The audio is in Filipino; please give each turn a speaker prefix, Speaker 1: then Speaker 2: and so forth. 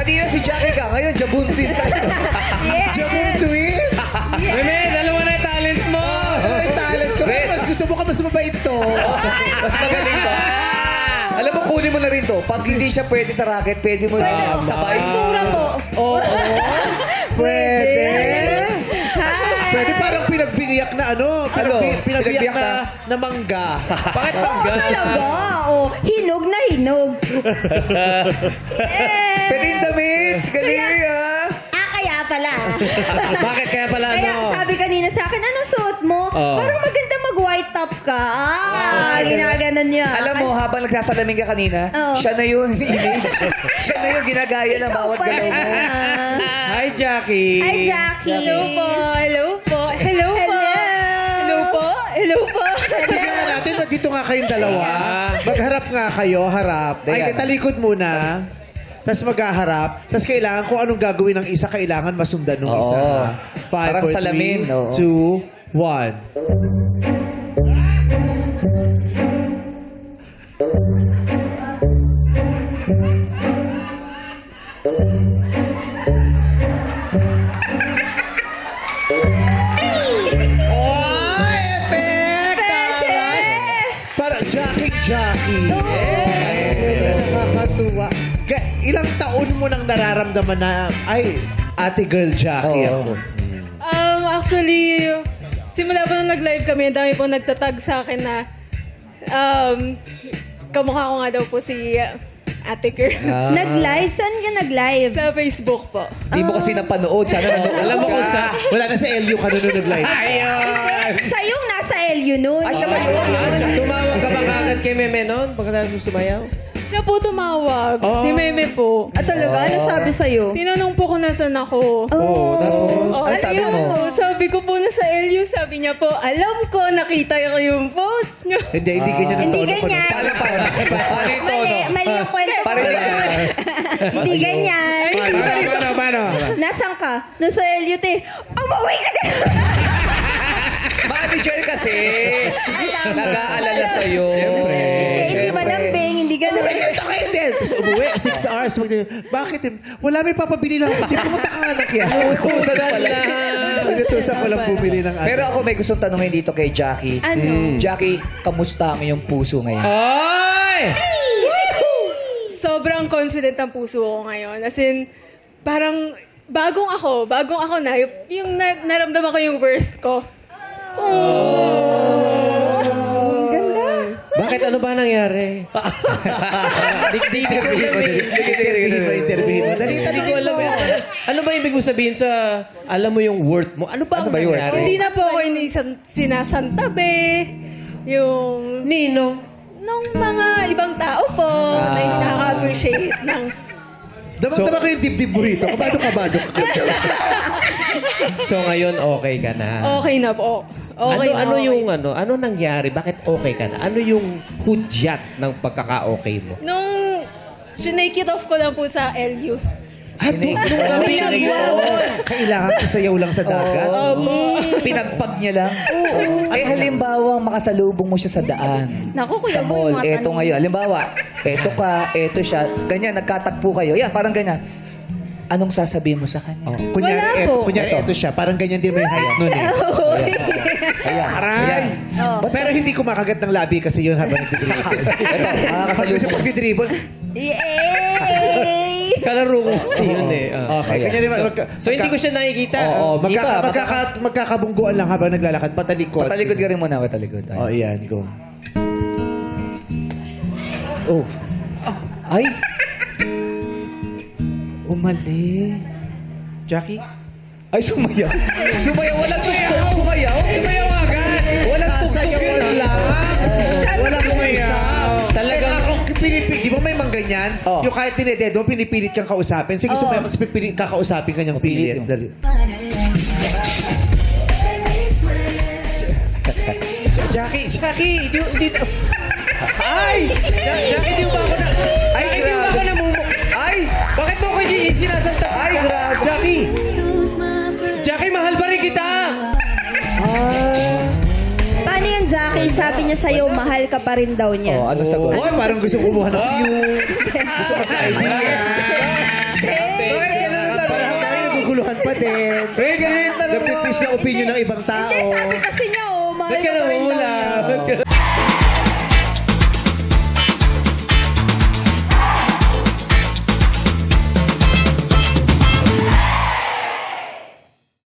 Speaker 1: Kanina si Jackie ka, ngayon Jabuntis.
Speaker 2: Yeah.
Speaker 3: Jabon twins!
Speaker 4: Meme, dalawa na yung talent mo.
Speaker 3: Ano yung talent ko? Mas gusto mo ka mas mabait to.
Speaker 1: Mas magaling ba? Alam mo, kunin mo na rin to. Pag hindi siya pwede sa racket, pwede mo na sabay.
Speaker 2: Mas mura po.
Speaker 3: Oo. Pwede.
Speaker 2: Hi.
Speaker 3: Pwede parang pinagbiyak na ano. Pinagbiyak
Speaker 1: Pinagbiyak
Speaker 3: na mangga.
Speaker 4: Bakit
Speaker 2: Oo, talaga. Oh, hinog na hinog.
Speaker 1: Pwede yung damit. Galing ah.
Speaker 2: Kaya pala.
Speaker 4: Bakit kaya pala
Speaker 2: Kaya
Speaker 4: ano?
Speaker 2: sabi kanina sa akin, anong suot mo?
Speaker 4: Oh.
Speaker 2: Parang maganda mag-white top ka. Ginaganon niya.
Speaker 1: Alam mo, habang nagsasalamin ka kanina,
Speaker 2: Oh.
Speaker 1: siya na yun, image. Siya na yung ginagaya ng bawat
Speaker 2: Pala.
Speaker 1: galaw mo.
Speaker 4: Hi, Jackie.
Speaker 2: Hi, Jackie.
Speaker 5: Hello po. Hello po. Hello po. Hello po. Hello po.
Speaker 3: Tingnan nga natin, dito nga kayong dalawa. Magharap nga kayo, harap. Ay,
Speaker 1: Ayan.
Speaker 3: talikod muna. Tapos maghaharap. Tapos kailangan kung anong gagawin ng isa, kailangan masundan ng isa.
Speaker 1: Oo.
Speaker 3: 5,
Speaker 1: Parang
Speaker 3: 4,
Speaker 1: salamin,
Speaker 3: 3,
Speaker 1: oo.
Speaker 3: 2, 1. Oh, effect! Taray! Parang Jackie. Yes. Nakakatuwa. Ilang taon mo nang nararamdaman na, ay, ate girl Jackie
Speaker 1: Oo.
Speaker 3: ako.
Speaker 5: Actually, simula po nung nag-live kami, ang dami po nagtatag sa akin na kamukha ko nga daw po si Ate Girl.
Speaker 2: Nag-live? Saan ka nag-live?
Speaker 5: Sa Facebook po.
Speaker 1: Hindi mo kasi napanood. Sana nanood.
Speaker 4: Alam mo kung sa...
Speaker 3: Wala na sa LU ka nun nag-live.
Speaker 4: Ayun!
Speaker 2: Siya yung nasa LU noon.
Speaker 1: Ah, siya ba yun?
Speaker 4: Tumawag ka ba kagad kay Meme noon? Pagkatapos mo sumayaw?
Speaker 5: Siya po tumawag. Si Meme po.
Speaker 2: Ah, talaga? Ano sabi sa'yo?
Speaker 5: Tinanong po kung nasan ako.
Speaker 2: Oh.
Speaker 1: Ano sabi
Speaker 5: ayun
Speaker 1: mo?
Speaker 5: po. Sabi ko po na sa LU, sabi niya po, alam ko, nakita ko yung post niyo.
Speaker 3: Hindi ganyan ang
Speaker 2: Hindi
Speaker 3: tono ko.
Speaker 2: ganyan.
Speaker 1: Paano pa? Paano yung tono?
Speaker 2: Mali yung kwento mo.
Speaker 1: Paano
Speaker 2: Hindi ganyan.
Speaker 4: Paano?
Speaker 2: Nasaan ka? Nasa LU, te. Umuwi ka na!
Speaker 1: Manager kasi. Nag-aalala sa'yo.
Speaker 2: Hindi malambing, hindi ganun.
Speaker 3: Ito kayo din. Tapos umuwi, 6 hours. Bakit? Wala may papabili lang kasi pumunta ka nga na kaya.
Speaker 1: Utusan pala.
Speaker 3: Pinutusan ko lang bumili ng
Speaker 1: Pero ako may gustong tanongin dito kay Jackie.
Speaker 2: Ano?
Speaker 1: Jackie, kamusta ang iyong puso ngayon?
Speaker 4: Ay!
Speaker 5: Sobrang confident ang puso ko ngayon. As in, parang bagong ako na, yung naramdaman ko yung worth ko.
Speaker 4: Bakit? Ano ba nangyari? Di ko alam eh.
Speaker 3: Interviewin mo. Dali,
Speaker 4: Hindi ko alam eh. Ano ba ibig mo sabihin sa alam mo yung worth mo? Ano ba ang
Speaker 1: ba yung worth?
Speaker 4: nangyari?
Speaker 5: Hindi na po ako sinasantabi. Yung
Speaker 4: Nino?
Speaker 5: nung mga ibang tao po na hindi nakaka-appreciate ng...
Speaker 3: Damang-dama ko yung dibdib mo rito. Kabado-kabado ka.
Speaker 4: So ngayon okay ka na?
Speaker 5: Okay na po. Okay na,
Speaker 4: ano
Speaker 5: okay.
Speaker 4: yung ano nangyari? Bakit okay ka na? Ano yung hudyat ng pagkaka-okay mo?
Speaker 5: Nung sinake it off ko lang po sa LU.
Speaker 1: Nung
Speaker 4: gabi na yun.
Speaker 3: Kailangan isayaw lang sa dagat.
Speaker 1: Pinagpag niya lang. Eh halimbawa, makasalubong mo siya sa daan.
Speaker 2: Naku, kuya
Speaker 1: Sa
Speaker 2: mo yung
Speaker 1: mall.
Speaker 2: mga
Speaker 1: Eto
Speaker 2: tanong.
Speaker 1: ngayon. Halimbawa, eto ka, eto siya. Ganyan, nagkatagpo kayo. Yan, parang ganyan. Anong sasabihin mo sa kanya?
Speaker 3: Oh, kunyari,
Speaker 2: Wala po.
Speaker 3: eto siya. Parang ganyan din may height nun eh.
Speaker 1: Ayan. Ayan.
Speaker 2: Oh.
Speaker 3: Pero hindi kumakagat ng labi kasi yun habang nagdidribble.
Speaker 1: Ito,
Speaker 3: Kasi
Speaker 1: makakasalubong.
Speaker 3: pagdidribble,
Speaker 2: Yay!
Speaker 4: Kalaro ko kasi yun eh.
Speaker 3: okay.
Speaker 1: Ayan.
Speaker 3: Kanya
Speaker 4: So hindi ko siya nakikita.
Speaker 3: Oo,
Speaker 4: Iba,
Speaker 3: magkakabungguan lang habang naglalakad. Patalikod.
Speaker 1: Patalikod ka rin muna, patalikod.
Speaker 3: Oh, iyan. Go.
Speaker 1: Oh. Ay! Umali.
Speaker 4: Jackie?
Speaker 1: Ay, sumayaw. Sumayaw. Walang tugtog. Sumayaw.
Speaker 4: Sumayaw agad!
Speaker 1: Walang tugtog
Speaker 3: Sasayaw
Speaker 1: yun.
Speaker 3: lang. Walang
Speaker 4: sumayaw.
Speaker 3: Talagang...
Speaker 4: Talagang-
Speaker 3: Di ba may mangganyan?
Speaker 1: Oh.
Speaker 3: Yung kahit tineded mo, pinipilit kang kausapin. Sige, sumayaw kasi kakausapin ka niyang pilit.
Speaker 1: Pilit.
Speaker 3: Dali.
Speaker 4: Jackie! Hindi... Ay! Jackie, di ba ako na... Ay, hindi ba ako namumu...
Speaker 1: Ay!
Speaker 4: Bakit mo ako hindi sinasanta?
Speaker 1: Ay, grabe.
Speaker 4: Jackie! Jackie, mahal pa rin kita!
Speaker 2: Paano yung Jackie? Sabi niya sa'yo, mahal ka pa rin daw niya.
Speaker 1: Oh, ano sagot?
Speaker 3: Oh, parang gusto kumuha ng view. Gusto magka-idea. naguguluhan pa din.
Speaker 4: Ray, ganun talaga.
Speaker 3: Nagpipish na opinion ng ibang tao.
Speaker 2: Hindi, sabi kasi niya, mahal
Speaker 4: Ba't ka
Speaker 2: ka pa rin daw
Speaker 4: namumula?
Speaker 2: niya.
Speaker 4: Ba't ka